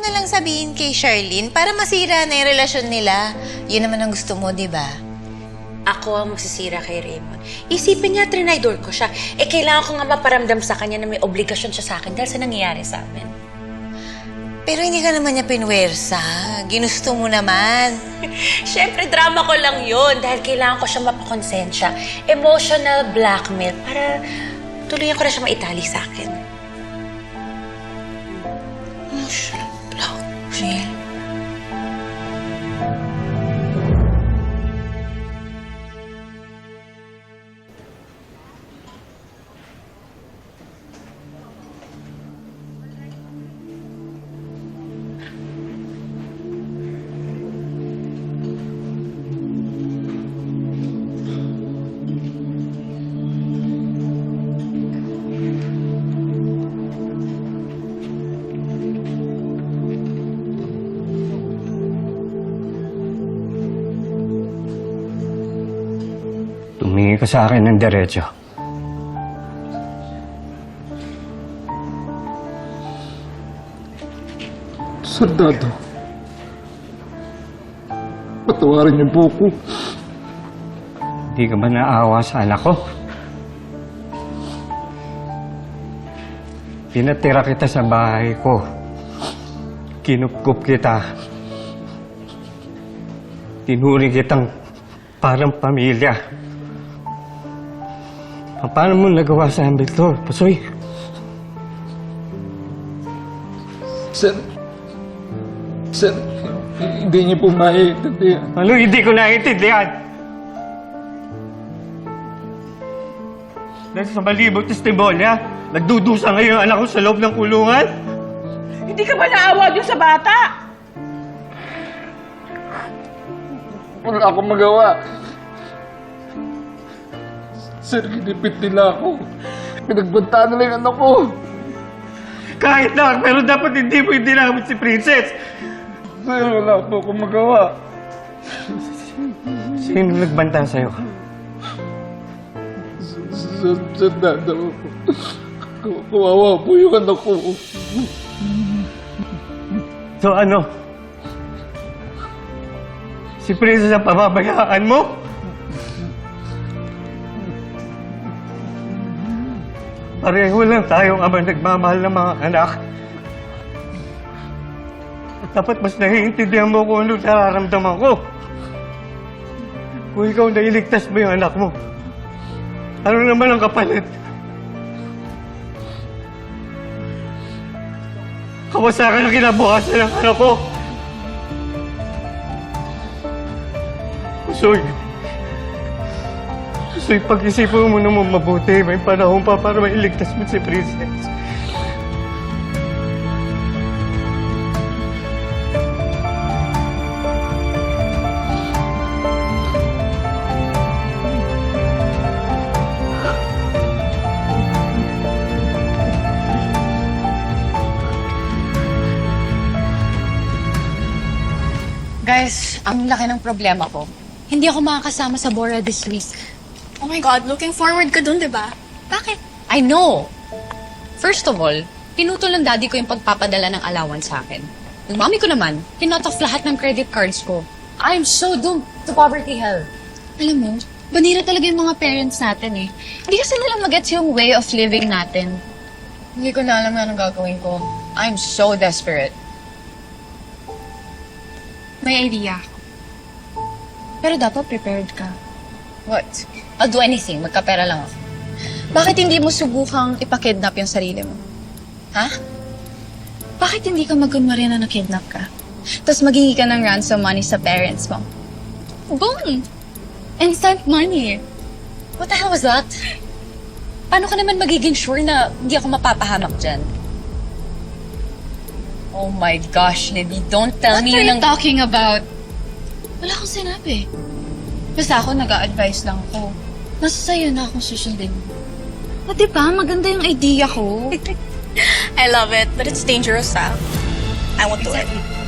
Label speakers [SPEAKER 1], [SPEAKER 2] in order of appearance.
[SPEAKER 1] mo na lang sabihin kay Charlene para masira na yung relasyon nila. Yun naman ang gusto mo, di ba?
[SPEAKER 2] Ako ang magsisira kay Raymond. Isipin niya, trinidor ko siya. Kailangan ko nga maparamdam sa kanya na may obligasyon siya sa akin dahil sa nangyayari sa amin.
[SPEAKER 1] Pero hindi ka naman niya pinwersa. Ginusto mo naman.
[SPEAKER 2] Siyempre, drama ko lang yun dahil kailangan ko siya mapakonsensya. Emotional blackmail para tuluyan ko na siya maitali sa akin.
[SPEAKER 1] Emotional blackmail?
[SPEAKER 3] Tumingin ka sa akin ng diretso.
[SPEAKER 4] Soldado, patawarin niyo po ako.
[SPEAKER 3] Hindi ka ba naawa sa anak ko? Pinatira kita sa bahay ko. Kinupkup kita. Tinuri kitang parang pamilya. Paano mo nagawa sa amin, Victor? Pasoy.
[SPEAKER 4] Sir, hindi niyo po maiintindihan.
[SPEAKER 3] Ano hindi ko naiintindihan? Dahil sa malibog testimonya, nagdudusa ngayon ang anak ko sa loob ng kulungan?
[SPEAKER 5] Hindi ka ba naawa dun sa bata?
[SPEAKER 4] Wala akong magawa. Sir, kinipit nila ako. Pinagbantaan nila yung anak ko.
[SPEAKER 3] Kahit na, pero dapat hindi mo dinamit si Princess.
[SPEAKER 4] Sir, wala po akong magawa.
[SPEAKER 3] Sino nagbanta sa'yo?
[SPEAKER 4] Soldado, kawawa po yung anak ko.
[SPEAKER 3] So ano? Si Princess ang pababayaan mo? Pareho lang tayong ama nagmamahal ng mga anak. Dapat mas naiintindihan mo kung ano nararamdaman ko. Kung ikaw nailigtas mo yung anak mo, ano naman ang kapalit? Kawasakan ang kinabukasan ng anak ko. Soy, pag-isipan mo naman mabuti. May panahon pa para mailigtas mo si Princess.
[SPEAKER 6] Guys, ang laki ng problema ko. Hindi ako makakasama sa Bora this week.
[SPEAKER 7] Oh my God, looking forward ka dun, di ba?
[SPEAKER 6] Bakit? I know. First of all, pinutol ng daddy ko yung pagpapadala ng allowance sa akin. Yung mami ko naman, kinot off lahat ng credit cards ko. I'm so doomed to poverty hell. Alam mo, banira talaga yung mga parents natin eh. Hindi kasi nila magets yung way of living natin. Hindi ko na alam na anong gagawin ko. I'm so desperate.
[SPEAKER 7] May idea.
[SPEAKER 6] Pero dapat prepared ka. What? I'll do anything. Magkapera lang ako. Bakit hindi mo subukang ipakidnap yung sarili mo? Ha? Bakit hindi ka magkunwari na nakidnap ka? Tapos maghingi ka ng ransom money sa parents mo? Boom! Instant money. What the hell was that? Paano ka naman magiging sure na hindi ako mapapahamak dyan? Oh my gosh, Libby. Don't tell me yun. What are you talking about? Wala akong sinabi. Basta ako nag-a-advise lang ako. Nasa sa'yo na akong susundin. O diba, maganda yung idea ko.
[SPEAKER 7] I love it, but it's dangerous, ah. I won't do it.